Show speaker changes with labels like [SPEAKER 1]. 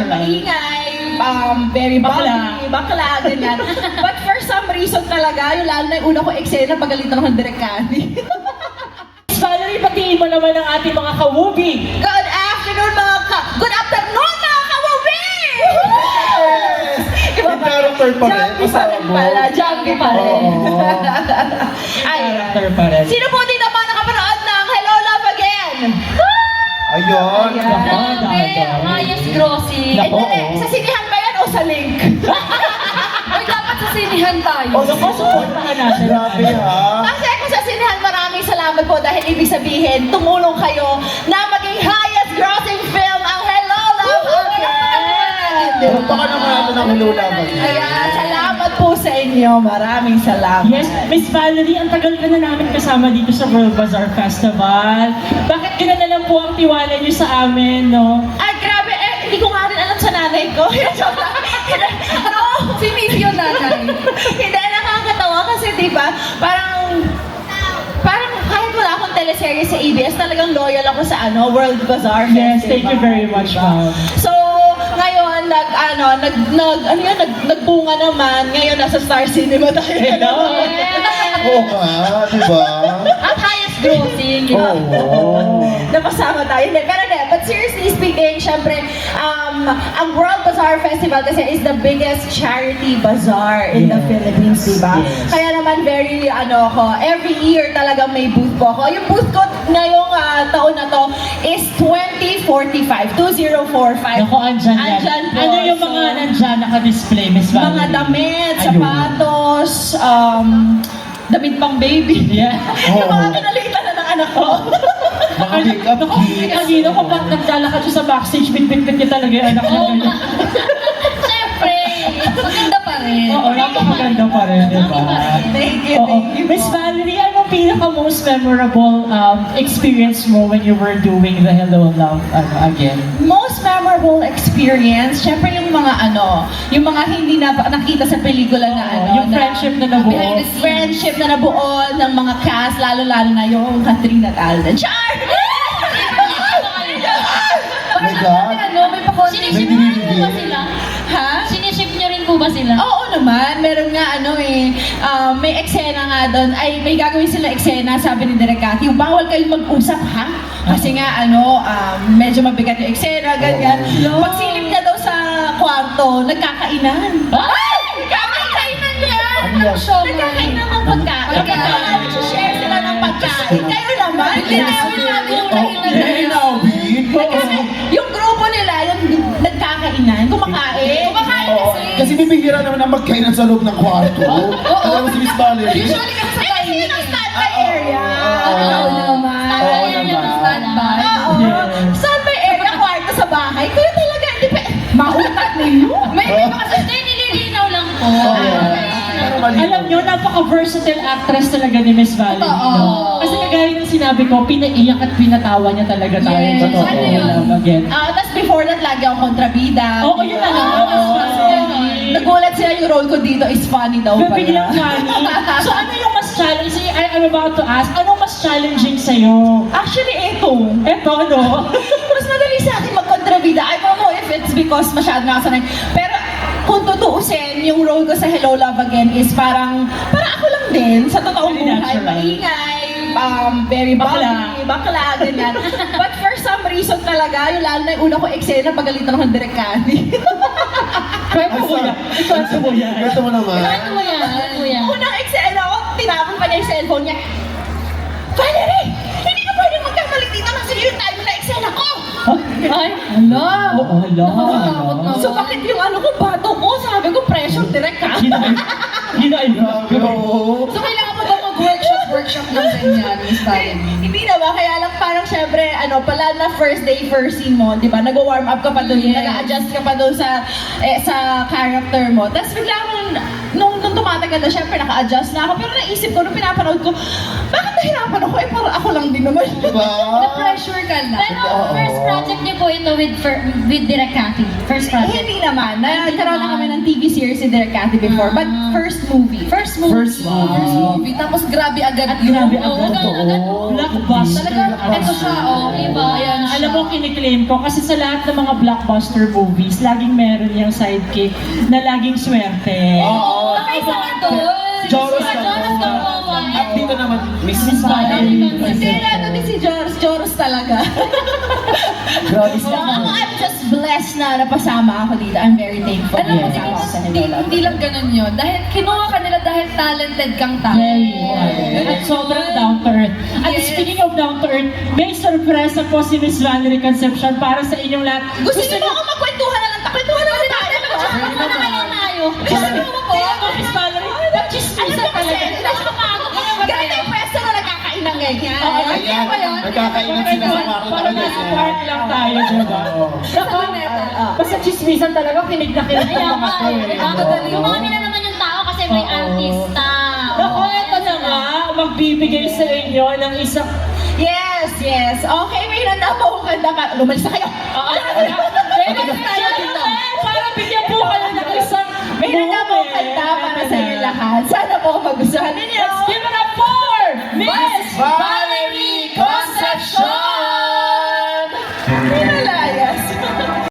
[SPEAKER 1] maingay, very bubbly, bakla, ganyan. But for some reason talaga, yung lalo na yung una ko eksena, pagalitan ako ng direkani.
[SPEAKER 2] Valerie, patingin mo naman ang ating mga kawubi.
[SPEAKER 1] Good afternoon Good afternoon mga kawubi!
[SPEAKER 3] Yung character pa rin,
[SPEAKER 1] Jumpy pa rin pala, jumpy pa rin. Ay,
[SPEAKER 2] Character pa rin.
[SPEAKER 1] sino po dito ba nakapanood ng Hello Love Again?
[SPEAKER 3] Ayun.
[SPEAKER 4] Ayos Grossi.
[SPEAKER 1] Eh, dali, sa sinihan ba yan o sa link?
[SPEAKER 4] Ay, dapat sa sinihan tayo.
[SPEAKER 3] Oh,
[SPEAKER 2] Supportahan natin.
[SPEAKER 3] grabe ha.
[SPEAKER 1] Kasi ako sa sinihan, maraming salamat po dahil ibig sabihin, tumulong kayo na maging highest grossing film ang Hello Love Again!
[SPEAKER 3] Baka naman natin ang hululaban.
[SPEAKER 1] Ayan, salamat po sa inyo. Maraming salamat.
[SPEAKER 2] Yes, Miss Valerie, ang tagal ka na namin kasama dito sa World Bazaar Festival. Bakit ganun na lang po ang tiwala niyo sa amin, no?
[SPEAKER 1] Ay, grabe. Hindi ko nga rin alam sa nanay ko. No.
[SPEAKER 4] Si Miss yun nanay.
[SPEAKER 1] Hindi, nakakatawa kasi diba, parang kahit wala akong teleserye sa ABS, talagang loyal ako sa World Bazaar
[SPEAKER 2] Yes,
[SPEAKER 1] Festival.
[SPEAKER 2] thank you very much, ma'am.
[SPEAKER 1] So, ngayon, nagbunga naman. Ngayon, nasa Star Cinema tayo.
[SPEAKER 2] Hello.
[SPEAKER 3] Oo nga, di ba?
[SPEAKER 4] At highest grossing.
[SPEAKER 3] Oo.
[SPEAKER 1] Napasama tayo. Hindi, pero hindi. But seriously speaking, syempre, ang World Bazaar Festival kasi is the biggest charity bazaar in the Philippines, diba?
[SPEAKER 2] Yes.
[SPEAKER 1] Kaya naman very, every year talagang may booth po ako. Yung booth ko ngayong taon na to is 2045.
[SPEAKER 2] Naku, andyan yan.
[SPEAKER 1] Andyan po.
[SPEAKER 2] Ano yung mga
[SPEAKER 1] So,
[SPEAKER 2] nandyan naka-display, Miss Valerie?
[SPEAKER 1] mga damit,
[SPEAKER 2] Ayun.
[SPEAKER 1] sapatos, damit pang baby.
[SPEAKER 2] Yeah.
[SPEAKER 1] Yung mga kinalitan na ng anak ko.
[SPEAKER 3] Mga makeup kits.
[SPEAKER 2] Kanino ko pa naglalakad siya sa backstage, bit-bit-bit niya talaga yung anak niya.
[SPEAKER 4] Oo. Siyempre, maganda pa rin.
[SPEAKER 2] Oo, napakaganda pa rin, di ba?
[SPEAKER 1] Thank you,
[SPEAKER 2] Oo.
[SPEAKER 1] thank you.
[SPEAKER 2] Miss Valerie, anong pinaka-most memorable experience mo when you were doing the Hello Love again?
[SPEAKER 1] Most memorable experience, syempre yung mga yung mga hindi na nakita sa pelikula na
[SPEAKER 2] Yung friendship na nabuo.
[SPEAKER 4] Behind the scenes.
[SPEAKER 1] friendship na nabuo ng mga cast, lalo-lalo na yung Katrina Talden. Char!
[SPEAKER 3] My God.
[SPEAKER 4] May pakonting.
[SPEAKER 3] May
[SPEAKER 4] Siniship niyo rin po ba
[SPEAKER 3] dinidibig.
[SPEAKER 4] sila?
[SPEAKER 1] Ha?
[SPEAKER 4] Siniship niyo rin po ba sila?
[SPEAKER 1] Oo naman, meron nga may eksena nga doon, may gagawin sila eksena, sabi ni Direk Cathy, bawal kayong mag-usap ha? Kasi nga medyo mabigat yung eksena, ganyan. Pagsilip niya daw sa kwarto, nagkakainan.
[SPEAKER 4] Ay! Kakainan niya!
[SPEAKER 3] Ano yan?
[SPEAKER 1] Nagkakainan ng pagkain. Share sila ng pagkain. Kayo naman, hindi namin
[SPEAKER 3] Hinawin.
[SPEAKER 1] Kasi yung grupo nila, yung nagkakainan, kumakain.
[SPEAKER 4] Kumakain
[SPEAKER 3] Oo.
[SPEAKER 4] kasi.
[SPEAKER 3] Kasi bibihira naman ang magkainan sa loob ng kwarto. Alam mo si Miss Valerie?
[SPEAKER 4] Usually kasi sa
[SPEAKER 1] Kasi yun ang standby area.
[SPEAKER 3] Oo.
[SPEAKER 1] Ikaw naman.
[SPEAKER 3] Oo
[SPEAKER 4] Standby area
[SPEAKER 3] naman.
[SPEAKER 4] ng standby.
[SPEAKER 1] Oo.
[SPEAKER 2] Yes.
[SPEAKER 1] Standby area, kwarto sa bahay. Kaya talaga, hindi pa, mautak ninyo.
[SPEAKER 4] May iba kasi nililinaw lang po.
[SPEAKER 3] Pero malinaw.
[SPEAKER 2] Alam nyo, napaka-versatile actress talaga ni Miss Valerie.
[SPEAKER 4] Oo.
[SPEAKER 2] No? Kasi kagaya ng sinabi ko, pinaiyak at pinatawa niya talaga tayo.
[SPEAKER 4] Yes.
[SPEAKER 2] sa Hello
[SPEAKER 4] Ano yun?
[SPEAKER 2] Love again.
[SPEAKER 1] Tapos before that, lagi akong kontrabida.
[SPEAKER 2] Oo, yun na lang.
[SPEAKER 1] Oo. Nagulat sila yung role ko dito is funny daw pala.
[SPEAKER 2] Biglang funny. So ano yung mas challenging? I'm about to ask, anong mas challenging sa'yo?
[SPEAKER 1] Actually, eto.
[SPEAKER 2] Eto, no?
[SPEAKER 1] Mas madali sa akin magkontrabida. I don't know if it's because masyado nakasanay. Pero kung tutuusin, yung role ko sa Hello Love Again is parang ako lang din sa totoong
[SPEAKER 2] Very
[SPEAKER 1] buhay.
[SPEAKER 2] natural.
[SPEAKER 1] Maingay, very bubbly, bakla, ganyan. But for some reason talaga, yung lalo na yung una ko eksena, pagalitan ako ng Direk Cathy.
[SPEAKER 2] Kwento mo yan. Kwento mo yan.
[SPEAKER 3] Kwento mo naman.
[SPEAKER 4] Ano mo yan? Ano mo yan?
[SPEAKER 1] Unang eksena ko, tinapon pa niya yung cellphone niya. Valerie! Hindi ka pwedeng magkamali dito kasi yung time na eksena ko!
[SPEAKER 4] Ay, hala.
[SPEAKER 2] Oo, hala.
[SPEAKER 4] Nakakatakot na.
[SPEAKER 1] So bakit yung bato ko? Sabi ko, pressure direct ha?
[SPEAKER 2] Hinaiyak.
[SPEAKER 3] Oo.
[SPEAKER 4] So, kailangan mo ba mag-workshop ng ganyan, Miss Valerie?
[SPEAKER 1] Hindi na ba? Kaya lang parang syempre, pala na first day, first scene mo, di ba? Nag-warm up ka pa doon,
[SPEAKER 4] Yes.
[SPEAKER 1] nag-adjust ka pa doon sa character mo. Tapos bigla akong, nung tumatagal na, syempre naka-adjust na ako. Pero naisip ko, nung pinapanood ko, bakit nahirapan ako? Eh, parang ako lang din naman.
[SPEAKER 3] Diba?
[SPEAKER 4] Na-pressure ka na.
[SPEAKER 5] Pero first project niyo po ito with Direk Cathy. First
[SPEAKER 1] Eh,
[SPEAKER 5] project.
[SPEAKER 1] hindi naman. Nagkaroon na kami ng TV series si Direk Cathy before. But first movie.
[SPEAKER 4] First movie.
[SPEAKER 3] First movie.
[SPEAKER 4] First movie. Tapos grabe agad
[SPEAKER 2] At grabe
[SPEAKER 4] yun.
[SPEAKER 2] agad.
[SPEAKER 5] Totoo.
[SPEAKER 2] Blockbuster.
[SPEAKER 4] Talaga, ito siya, oh.
[SPEAKER 5] Diba?
[SPEAKER 4] Ayan siya.
[SPEAKER 2] Alam mo, kiniklaim ko kasi sa lahat ng mga blockbuster movies, laging meron yung sidekick na laging swerte.
[SPEAKER 3] Oo.
[SPEAKER 5] Nakaisa ka doon.
[SPEAKER 3] Joros
[SPEAKER 5] Si
[SPEAKER 3] na
[SPEAKER 5] Jonas
[SPEAKER 3] po.
[SPEAKER 5] Gamboa.
[SPEAKER 3] At dito naman, Miss
[SPEAKER 2] Miss Valerie.
[SPEAKER 1] Hindi, ano din si Joros. Joros talaga.
[SPEAKER 3] Grabe
[SPEAKER 1] So, ako, I'm just blessed na napasama ako dito. I'm very thankful.
[SPEAKER 4] Alam mo,
[SPEAKER 1] na napasama ako sa Ninola.
[SPEAKER 4] hindi lang ganun yun. Dahil kinuha ka nila dahil talented kang tao.
[SPEAKER 2] Very. At sobrang down to earth. At
[SPEAKER 4] Yes.
[SPEAKER 2] speaking of down to earth, may sorpresa po si Miss Valerie Concepcion para sa inyong lahat.
[SPEAKER 1] Gusto niyo ba ako magkwentuhan na lang? Kwentuhan na lang tayo.
[SPEAKER 5] Ano na kaya tayo?
[SPEAKER 1] Gusto niyo ba po?
[SPEAKER 2] Kaya mo, Miss Valerie, nag-chismisan talaga.
[SPEAKER 1] Ganito yung pwesto na nagkakain ng ganyan.
[SPEAKER 3] Ayan, nagkakainan sila sa kwarto
[SPEAKER 2] Parang
[SPEAKER 3] talaga.
[SPEAKER 2] nasa party lang tayo, diba?
[SPEAKER 3] Oo.
[SPEAKER 2] Basta chismisan talaga, kinig na kinig
[SPEAKER 5] Kaya
[SPEAKER 2] ng mga
[SPEAKER 5] nga
[SPEAKER 2] to
[SPEAKER 5] eh.
[SPEAKER 2] eh.
[SPEAKER 5] Kumami na naman yung tao kasi may
[SPEAKER 2] Oo.
[SPEAKER 5] artista.
[SPEAKER 2] Naku, eto na nga, magbibigay sa inyo ng isang...
[SPEAKER 1] Yes, yes. Okay, may nanda po akong kanta ka. Lumalis na kayo.
[SPEAKER 2] Para bigyan po kayo ng isang
[SPEAKER 1] May nanda po akong kanta para sa inyo lahat. Sana po magustuhan ninyo.
[SPEAKER 2] Let's give it up for Miss
[SPEAKER 3] Valerie Concepcion!